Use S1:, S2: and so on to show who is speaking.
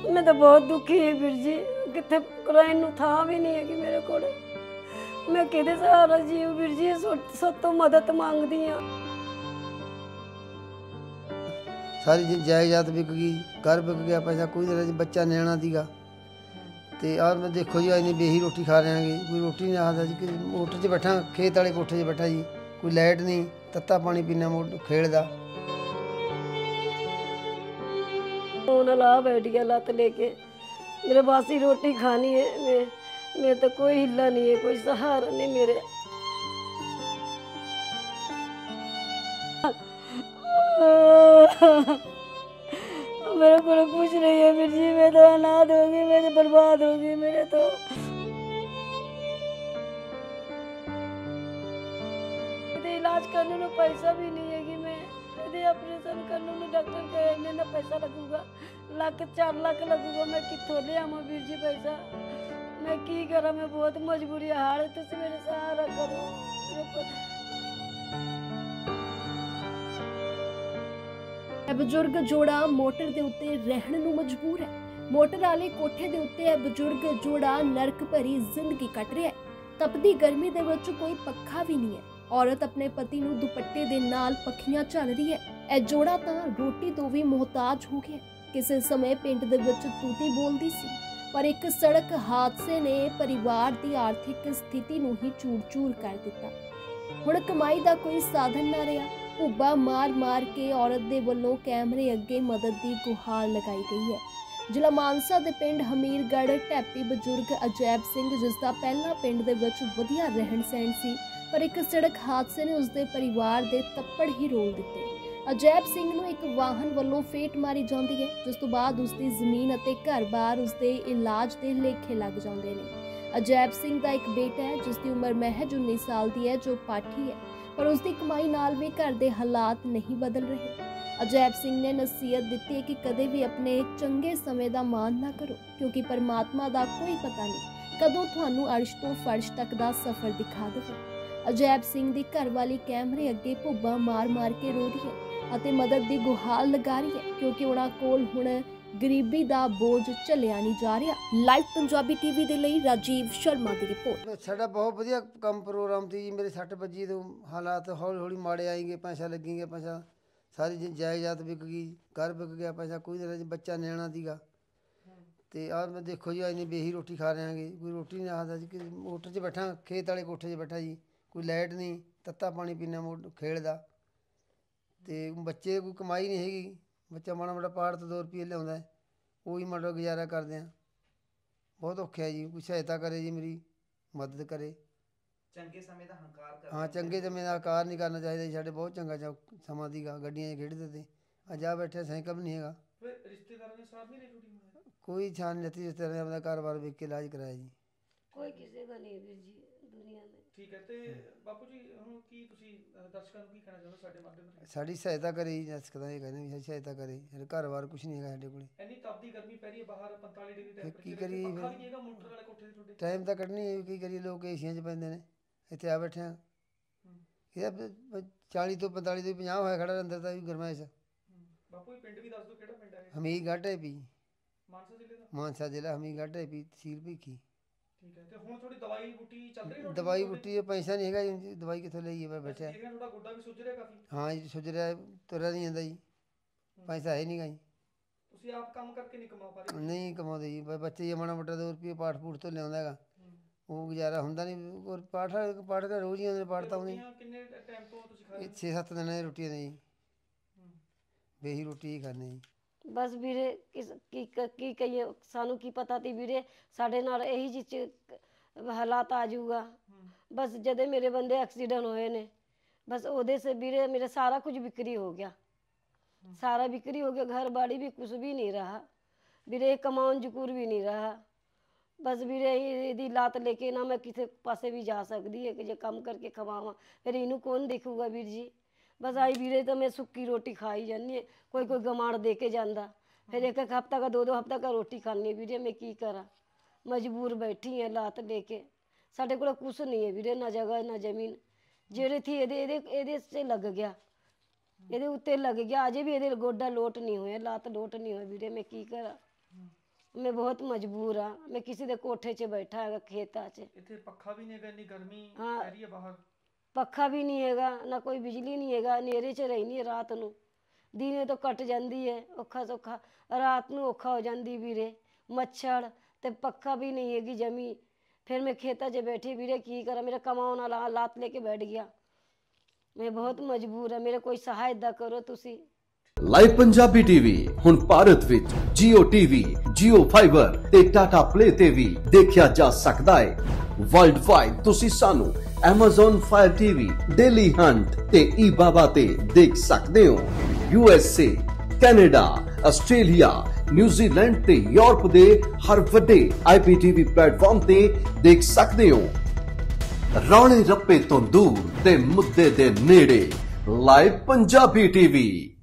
S1: मैं तो बहुत दुखी है वीर जी, कितने रहन नूं थां भी नहीं है कि मेरे को मैं किहदे सहारा जीऊं वीर जी, सब तो मदद मांगदी हाँ।
S2: सारी जायदाद बिक गई, घर बिक गया, पैसा कोई नहीं रहा, बच्चा न्याणा दीगा ते और मैं देखो जी इन्नी बेही रोटी खा रहे हैं, कोई रोटी नहीं आता जी, मोटर 'च बैठा, खेत वाले कोठे 'च बैठा जी, कोई लाइट नहीं, तत्ता पानी पीना खेड़ दा।
S1: ला बैठ गया लत लेके, मेरे बासी रोटी खानी है, मैं तो कोई हिला नहीं है, कोई सहारा नहीं मेरे। मेरे को कुछ नहीं है वीर जी, मैं तो अनाथ होगी, मैं तो बर्बाद होगी, मेरे तो इलाज करने में पैसा भी नहीं है कि मैं यदि ऑपरेशन करने में डॉक्टर कहने ना पैसा लगूगा, 4 लाख लगूगा, मैं कितों ले आवा वीर जी पैसा, मैं की करा, मैं बहुत मजबूरी हाल, तुम मेरे सहारा करो।
S3: बजुर्ग जोड़ा मोटर के उत्ते रहने नूं मजबूर है। मोटर वाले कोठे के उत्ते बजुर्ग जोड़ा नरक भरी जिंदगी कट रहा है। तपदी गर्मी दे विच कोई पक्खा भी नहीं है। औरत अपने पति नूं दुपट्टे दे नाल पखियां झल रही है। यह जोड़ा तां रोटी तो भी मोहताज हो गया। किसी समय पिंड दे विच तूती बोलदी सी, पर एक सड़क हादसे ने परिवार की आर्थिक स्थिति नूं ही चूर-चूर कर दिता। हुण कमाई दा कोई साधन ना रहा। भुब्बा मार मार के औरत दे वल्लों कैमरे अगे मदद की गुहार लगाई गई है। जिला मानसा दे पिंड हमीरगढ़ टैपी बजुर्ग अजैब सिंह, जिसका पहला पिंड दे विच वधिया रहन सहन सी, पर एक सड़क हादसे ने उसके परिवार दे तप्पड़ ही रोल दिते। अजैब सिंह नूं एक वाहन वल्लों फेट मारी जाती है, जिस तो बाद उसकी जमीन अते घर-बार उसके इलाज के लेखे लग जाते हैं। अजैब सिंह का एक बेटा है जिसकी उम्र महज 19 साल की है, जो पाठी है, पर उसकी कमाई नाल भी घर के हालात नहीं बदल रहे। अजैब सिंह ने नसीहत दी है कि कदे भी अपने चंगे समय का मान ना करो, क्योंकि परमात्मा का कोई पता नहीं कदों तुहानू अर्श तो फर्श तक का सफर दिखा देवे। अजैब सिंह की घरवाली कैमरे अगे भुब्बा मार मार के रो रही है और मदद की गुहार लगा रही है, क्योंकि उन्हां कोल हुण गरीबी का बोझ झलिया नहीं जा रहा। लाइव पंजाबी टीवी के लिए राजीव शर्मा की रिपोर्ट।
S2: साडा बहुत वधिया काम प्रोग्राम थी जी, मेरे 6 बजे तो हालात हौली हौली माड़े आएंगे, पैसा लगेंगे, पैसा सारी जायदाद बिक गई, घर बिक गया, पैसा कोई नहीं रहा, बच्चा न्याणा दीगा ते और मैं देखो जी इन्नी बेही रोटी खा रहे हैं, कोई रोटी नहीं आता जी, मोटर 'च बैठा, खेत वाले कोठे 'च बैठा जी, कोई लाइट नहीं, तत्ता पानी पीना खेड़ दा ते बच्चे कोई कमाई नहीं हैगी, बच्चा माड़ा माड़ा पाड़ तो 2 रुपये लिया, वही माड़ा गुजारा करते हैं। बहुत औखा है जी, कोई सहायता करे जी, मेरी मदद करे।
S4: चंगे समय का हंकार कर,
S2: हाँ चंगे समय का हंकार नहीं करना चाहिए जी, साढ़े बहुत चंगा समा दीगा, गड्डियां खेड़ते थे, अज आ बैठे साइकिल भी नहीं है।
S4: रिश्तेदारों ने साथ नहीं रही,
S2: कोई छान नहीं लेती, रिश्तेदार ने अपना कारोबार बेच के इलाज कराया जी।
S1: कोई किसी का नहीं वीर जी दुनिया में।
S4: ठीक है ते बापू जी हुण की तुसी दर्शकों को की कहना चाहते हो साडे माध्यम राहीं?
S2: साड़ी सहायता करे जी, दर्शक ये कहने भी सहायता करे, साढ़े घर-बार कुछ नहीं है साढ़े कोल।
S4: इन्नी तपदी गर्मी पै रही है बाहर 45 डिग्री
S2: की
S4: टैंपरेचर,
S2: करिए
S4: पक्खा
S2: फिर
S4: भी नहीं हैगा मोटर वाले कोठे ते तुहाडे?
S2: टाइम तो कड्ढनी है, की करिए, लोग एशियां 'च पैंदे ने, इत्थे आ बैठे हैं। ये 40 तो 45 तो 50 होया खड़ा अंदर दा भी गरमाइश।
S4: बापू जी पिंड भी दस दो किहड़ा पिंड है?
S2: हमीरगढ़ ढेपी,
S4: मानसा जिले दा?
S2: मानसा जिला हमीरगढ़ ढेपी, तहसील भीखी।
S4: ठीक है ते हुण थोड़ी दवाई बूटी चल रही है?
S2: दवाई बूटी पैसा नहीं है जी, दवाई कितों लईए, मैं बैठा।
S4: देख रहे थोड़ा गोडा भी सुज रहा काफी?
S2: हाँ जी सुज रहा है, तुरा नहीं जाता जी, पैसा है नहीं गा जी।
S4: तुसी आप काम करके नहीं कमा पा रहे?
S2: नहीं कमाते जी, बच्चे ये माड़ा मोटा 2 रुपये पाठ पूठ तो लिया है, वो गुजारा होंदा नहीं, और पाठ का रोज़ ही आते, पाठ तो आउंदे
S4: किन्ने टाइम तो तुसी खा रहे?
S2: 6-7 दिन है रोटियां ने जी, बेही रोटी ही खाने जी।
S1: बस वीरे की कहिए, सानू की पता थी वीरे साढ़े नाल यही जी हालात आ जाऊगा। बस जदे मेरे बंदे एक्सीडेंट होए ने, बस ओदे से वीरे मेरे सारा कुछ बिक्री हो गया, सारा बिक्री हो गया, घर बाड़ी भी कुछ भी नहीं रहा वीरे, कमाउन जकूर भी नहीं रहा। बस वीरे यदि लात लेके ना मैं किसी पासे भी जा सकती है कि जो काम करके खवावा, फिर इनू कौन देखूगा वीर जी। बस आई वीरे तो मैं सुक्की रोटी खाई जानी है, कोई कोई गमाड़ दे के जाता, फिर एक हफ्ता का 2 हफ्ता का रोटी खानी वीरे, मैं की करा, मजबूर बैठी है लात लेके। साढ़े को कुछ नहीं है वीरे, ना जगह ना जमीन, जेड़े थी एदे से लग गया, ये उत्ते लग गया, अजे भी ये गोडा लोट नहीं हुए, लात लोट नहीं हुए वीरे, मैं की करा। मैं बहुत मजबूर हाँ। मैं किसी दे कोठे 'ਚ बैठा है खेता 'ਚ।
S4: ਇੱਥੇ ਪੱਖਾ ਵੀ ਨਹੀਂ ਹੈਗਾ, ਇੰਨੀ ਗਰਮੀ
S1: ਹਾਂ।
S4: ਪੈ ਰਹੀ ਹੈ ਬਾਹਰ।
S1: ਪੱਖਾ ਵੀ ਨਹੀਂ ਹੈਗਾ, ਨਾ ਕੋਈ ਬਿਜਲੀ ਨਹੀਂ ਹੈਗਾ, ਹਨੇਰੇ 'ਚ ਰਹਿੰਦੀ ਹੈ ਰਾਤ ਨੂੰ। ਦਿਨੇ ਤਾਂ ਕੱਟ ਜਾਂਦੀ ਹੈ ਔਖਾ ਸੌਖਾ, ਰਾਤ ਨੂੰ ਔਖਾ ਹੋ ਜਾਂਦੀ ਵੀਰੇ। ਮੱਛਰ ਤੇ ਪੱਖਾ ਵੀ ਨਹੀਂ ਹੈਗੀ ਜਮੀ। ਫਿਰ ਮੈਂ ਖੇਤਾਂ 'ਚ ਬੈਠੀ ਵੀਰੇ, ਕੀ ਕਰਾਂ, ਮੇਰਾ ਕਮਾਉਣ ਵਾਲਾ ਲਾਤ ਲੈ ਕੇ ਬੈਠ ਗਿਆ। ਮੈਂ ਬਹੁਤ ਮਜਬੂਰ ਹਾਂ, ਮੇਰੇ ਕੋਈ ਸਹਾਇਤਾ ਕਰੋ ਤੁਸੀਂ।
S5: ਲਾਈਵ ਪੰਜਾਬੀ ਟੀਵੀ ਹੁਣ ਭਾਰਤ ਵਿੱਚ Jio TV, Jio Fiber ਤੇ Tata Play ਤੇ ਵੀ ਦੇਖਿਆ ਜਾ ਸਕਦਾ ਹੈ। ਵਰਲਡ ਵਾਈਡ ਤੁਸੀਂ ਸਾਨੂੰ Amazon Fire TV, Daily Hunt ਤੇ eBaba ਤੇ ਦੇਖ ਸਕਦੇ ਹੋ। USA, ਕੈਨੇਡਾ, ਆਸਟ੍ਰੇਲੀਆ, ਨਿਊਜ਼ੀਲੈਂਡ ਤੇ ਯੂਰਪ ਦੇ ਹਰ ਵੱਡੇ IPTV ਪਲੇਟਫਾਰਮ ਤੇ ਦੇਖ ਸਕਦੇ ਹੋ। ਰੌਲੇ ਰੱਪੇ ਤੋਂ ਦੂਰ ਤੇ ਮੁੱਦੇ ਦੇ ਨੇੜੇ, ਲਾਈਵ ਪੰਜਾਬੀ ਟੀਵੀ।